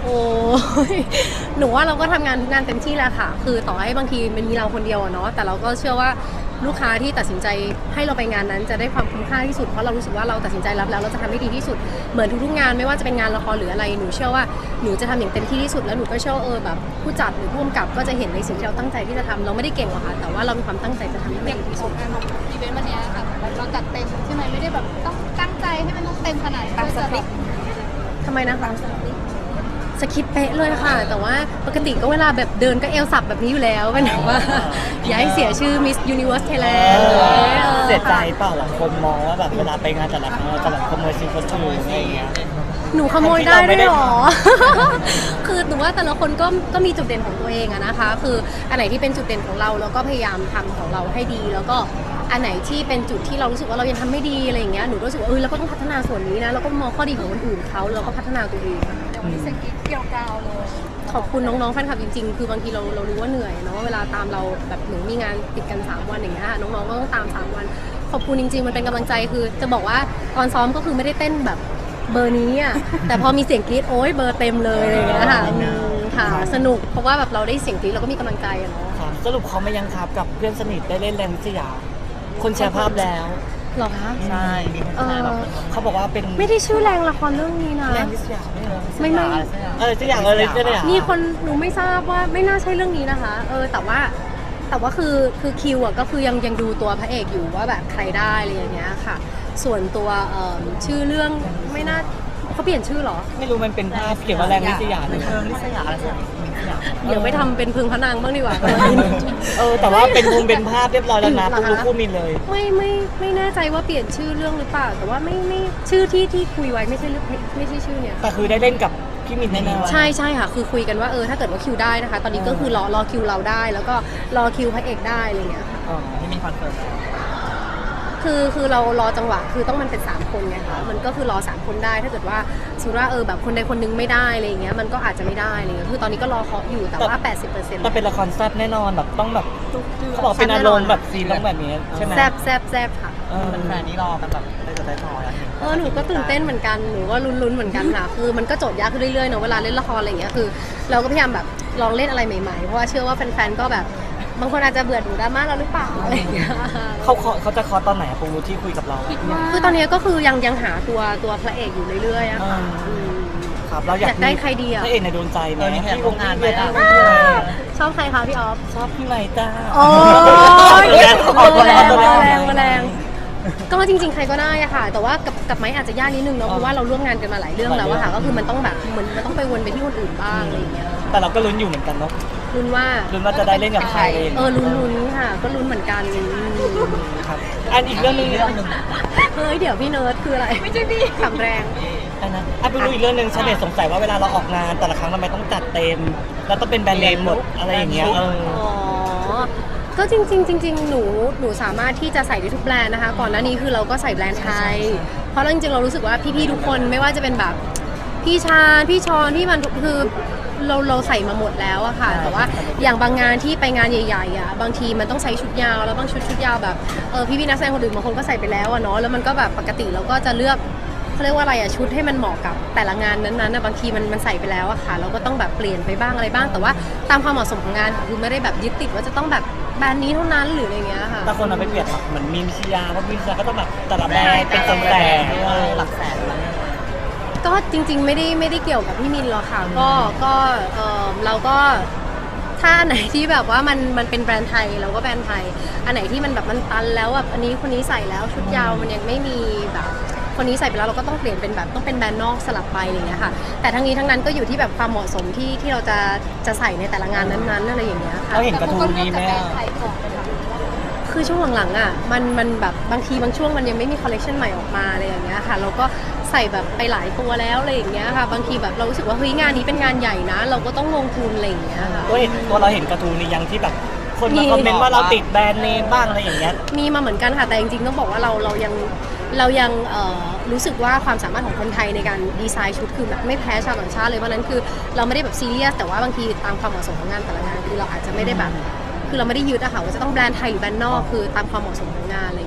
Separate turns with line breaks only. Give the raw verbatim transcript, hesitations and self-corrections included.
โอ้ยหนูว่าเราก็ทำงานทุกงานเต็มที่แหละค่ะคือต่อให้บางทีมันมีเราคนเดียวอะเนาะแต่เราก็เชื่อว่าลูกค้าที่ตัดสินใจให้เราไปงานนั้นจะได้ความคุ้มค่าที่สุดเพราะเรารู้สึกว่าเราตัดสินใจรับแล้วเราจะทำให้ดีที่สุดเหมือนทุกๆงานไม่ว่าจะเป็นงานละครหรืออะไรหนูเชื่อว่าหนูจะทำอย่างเต็มที่ที่สุดแล้วหนูก็เชื่อเออแบบผู้จัดหรือผู้กำกับก็จะเห็นในสิ่งที่เราตั้งใจที่จะทำเราไม่ได้เก่งหรอกค่ะแต่ว่าเรามีความตั้งใจจะทำให้ดีที่สุด
อีเวนต์วันนี้ค่ะเราจัดเต็มใช่ไหมไม่ได้แบบต้องตั้งใจให้มันต้องเต็มขนาดตามสคริปต์
ทำไมนะคะสคริปต์เป๊ะเลยค่ะแต่ว่าปกติก็เวลาแบบเดินก็เอลสับแบบนี้อยู่แล้วเป็นแบบว่าอย่าให้เสียชื่อ Miss Universe Thailand
เสียใจเปล่าหลายคนมองว่าแบบเวลาไปงานแต่ละครั้งเราจะแบบขโมยซีนคนอื่นอะไรอย่างเงี้ย
หนูขโมยได้ด้วยหรอ คือหนูว่าแต่ละคนก็ก็มีจุดเด่นของตัวเองอะนะคะคืออันไหนที่เป็นจุดเด่นของเราเราก็พยายามทำของเราให้ดีแล้วก็อันไหนที่เป็นจุดที่เรารู้สึกว่าเรายังทำไม่ดีอะไรอย่างเงี้ยหนูรู้สึกว่าเออเราก็ต้องพัฒนาส่วนนี้นะเราก็มองข้อดีของคนอื่นเขาแล้วก็พัฒนาตัวเอง
มีสกิปเกี่ยวกาวเลย
ขอบคุณน้องๆแฟนคลับจริงๆคือบางทีเราเรารู้ว่าเหนื่อยเนาะเวลาตามเราแบบหนูมีงานติดกันสามวันอย่างเงี้ยน้องๆก็ต้องตามสามวันขอบคุณจริงๆมันเป็นกำลังใจคือจะบอกว่าตอนซ้อมก็คือไม่ได้เต้นแบบเบอร์นี้อ่ะแต่พอมีเสียงกรี๊ดโอ๊ยเบอร์เต็มเลยอะไรอย่างเงี้ยค่ะค่ะสนุกเพราะว่าแบบเราได้เสียงกรี๊ดเราก็มีกำลังใจอะเนาะ
สรุปเขาไม่ยังครับกับเพื่อนสนิทได้เล่นแรงวิทยาคนแชร์ภาพแล้ว
หรอคะ
ใช่เขาบอกว่าเป็น
ไม่ได้ชื่อแรงละครเรื่องนี้นะ
แรงวิทยา
ไม่ไม่
เออสักอย่างอะไรสักอย่าง
มีคนหนูไม่ทราบว่าไม่น่าใช่เรื่องนี้นะคะเออแต่ว่าแต่ว่าคือคือคิวอ่ะก็คือยังยังดูตัวพระเอกอยู่ว่าแบบใครได้อะไรอย่างเงี้ยค่ะส่วนตัวเอ่อชื่อเรื่องไม่น่าเขาเปลี่ยนชื่อหรอ
ไม่รู้มันเป็นภาพเกี่ยวกับแรงวิทยาเลย
วิทยาอะไรสักอย่าง
เดี๋ยวไปทำเป็นพึงพระนางบ้างดีกว่า
เออแต่ว่าเป็นมุมเป็นภาพเรียบร้อยแล้วนะรู้คู่มินเลย
ไม่ไม่ไม่แน่ใจว่าเปลี่ยนชื่อเรื่องหรือเปล่าแต่ว่าไม่ไม่ชื่อที่ที่คุยไว้ไม่ใช่เรื่องไม่ใช่ชื่อเนี่ย
แต่คือได้เล่นกับพี่มินแน่ๆ
ใช่ใช่ค่ะคือคุยกันว่าเออถ้าเกิดว่าคิวได้นะคะตอนนี้ก็คือรอรอคิวเราได้แล้วก็รอคิวพระเอกได้อะไรเงี้ยค่ะ
อ๋อที่มีคอนเฟิร์ม
คือคือเรารอจังหวะคือต้องมันเป็นสามคนไงคะมันก็คือรอสามคนได้ถ้าเกิดว่าสมมติว่าเออแบบคนใดคนนึงไม่ได้อะไรเงี้ยมันก็อาจจะไม่ได้อะไรเงี้ยคือตอนนี้ก็รอเคาะอยู่แต่ว่า แปดสิบเปอร์เซ็นต์
แต่เป็นละครแซ่บแน่นอนแบบต้องแบบเขาบอกเป็นอารมณ์แบบซีนต้องแบบนี้ใช่ไหม
แซ่บแซ่บแซ่บค่ะ
แฟนนี้รอกันแบบได้จะได้พอแล้ว
เออหนูก็ตื่นเต้นเหมือนกันหนูก็ลุ้นๆเหมือนกันค่ะคือมันก็โจทย์ยากขึ้นเรื่อยๆเนาะเวลาเล่นละครอะไรเงี้ยคือเราก็พยายามแบบลองเล่นอะไรใหม่ๆเพราะว่าเชื่อว่าแฟนๆก็แบบบางคนอาจจะเบื่อดูดราม่าเราหรือเปล่าอะไรอย่างเงี้ย
เขาเขาจะคอตอนไหนปูที่คุยกับเรา
คือตอนนี้ก็คือยังยังหาตัวตัวพระเอกอยู่เรื่อยๆอะค่ะ
ครับเราอยาก
ได้ใครดีอะ
พระเอกในดวงใจไหมที่วงงานไหม
ชอบใครคะพี่ออฟ
ชอบพี่ใหม่จ้า
โอ้ยแรงแรงแรงก็จริงๆใครก็ได้อะค่ะแต่ว่ากับกับไม้อาจจะยากนิดนึงเนาะเพราะว่าเราร่วมงานกันมาหลายเรื่องแล้วอะค่ะก็คือมันต้องแบบเหมือนมันต้องไปวนไปที่คนอื่นบ้างอะไรอย่างเงี้ย
แต่เราก็ลุ้นอยู่เหมือนกันเนาะ
ลุ้นว่า
ลุ้นว่าจะได้เล่นกับใคร
เออลุ้นลุ้นค่ะก็ลุ้นเหมือนกัน
ครับอันอีกเรื่องนึงเรื่องนึง
เฮ้ยเดี๋ยวพี่เนิร์ดคืออะไรไม่ใช่พี่ขำแรง
อันนั้นอ่ะไปดูอีกเรื่องนึงชาวเน็ตสงสัยว่าเวลาเราออกงานแต่ละครั้งทำไมต้องจัดเต็มแล้วต้องเป็นแบรนด์เนมหมดอะไรอย่างเงี้ยเออ
ก็จริงๆจริงๆหนูหนูสามารถที่จะใส่ได้ทุกแบรนด์นะคะก่อนหน้านี้คือเราก็ใส่แบรนด์ไทยเพราะจริงๆเรารู้สึกว่าพี่ๆทุกคนไม่ว่าจะเป็นแบบพี่ชาพี่ชอนพี่มันคือเราเราใส่มาหมดแล้วอะค่ะแต่ว่าอย่างบางงานที่ไปงานใหญ่ๆอะบางทีมันต้องใช้ชุดยาวแล้วบางชุดชุดยาวแบบเออพี่ๆนักแสดงคนอื่นบางคนก็ใส่ไปแล้วอะเนาะแล้วมันก็แบบปกติเราก็จะเลือกเขาเรียกว่าอะไรอะชุดให้มันเหมาะกับแต่ละงานนั้นๆนะบางทีมันมันใส่ไปแล้วอะค่ะเราก็ต้องแบบเปลี่ยนไปบ้างอะไรบ้างแต่ว่าตามความเหมาะสมของงานคือไม่ได้แบบยึดติดว่าจะต้องแบบแบรนด์นี้เท่านั้นหรืออะไรเงี้ยค่ะ
แต่คนเอาไปเปลี่ยนเหมือนมีมิชยาเพราะมิชยาก็ต้องแบบแต่ละแบรนด์เป็นแสนหลักแสน
ก็จริงๆไม่ได้ไม่ได้เกี่ยวกับพี่มินหรอกค่ะก็ก็เออเราก็ถ้าอันไหนที่แบบว่ามันมันเป็นแบรนด์ไทยเราก็แบรนด์ไทยอันไหนที่มันแบบมันตันแล้วแบบอันนี้คนนี้ใส่แล้วชุดยาวมันยังไม่มีแบบคนนี้ใส่ไปแล้วเราก็ต้องเปลี่ยนเป็นแบบต้องเป็นแบรนด์นอกสลับไปอะไรอย่างเงี้ยค่ะแต่ทั้งนี้ทั้งนั้นก็อยู่ที่แบบความเหมาะสมที่ที่เราจะจะใส่ในแต่ละงานนั้นๆอะไรอย่างเงี้ยค่ะ
เราเห็นกระทู้นี้ไหม
คือช่วงหลังๆอ่ะมันมันแบบบางทีบางช่วงมันยังไม่มีคอลเลคชันใหม่ออกมาอะไรอย่างเงี้ยค่ะเราก็ใส่แบบไปหลายตัวแล้วอะไรอย่างเงี้ยค่ะบางทีแบบเรารู้สึกว่าเฮ้ยงานนี้เป็นงานใหญ่นะเราก็ต้องลงทุนอะไรอย่างเงี้ยค่ะ
ตัวเห็นตัวเราเห็นกระทู้นี้ยังที่แบบคนมาคอมเมนต์ว่าเราติดแบรนด์เนมบ้างอะไรอย่างเงี้ย
มีมาเหมือนกันค่ะแต่จริงๆต้องบอกว่าเราเรายังเรายังรู้สึกว่าความสามารถของคนไทยในการดีไซน์ชุดคือแบบไม่แพ้ชาวต่างชาติเลยเพราะนั้นคือเราไม่ได้แบบซีเรียสแต่ว่าบางทีตามความเหมาะสมของงานแต่ละงานคือเราอาจจะไม่ได้แบบคือเราไม่ได้ยึดอะค่ะว่าจะต้องแบรนด์ไทยหรือแบรนด์นอกคือตามความเหมาะสมของงานเลย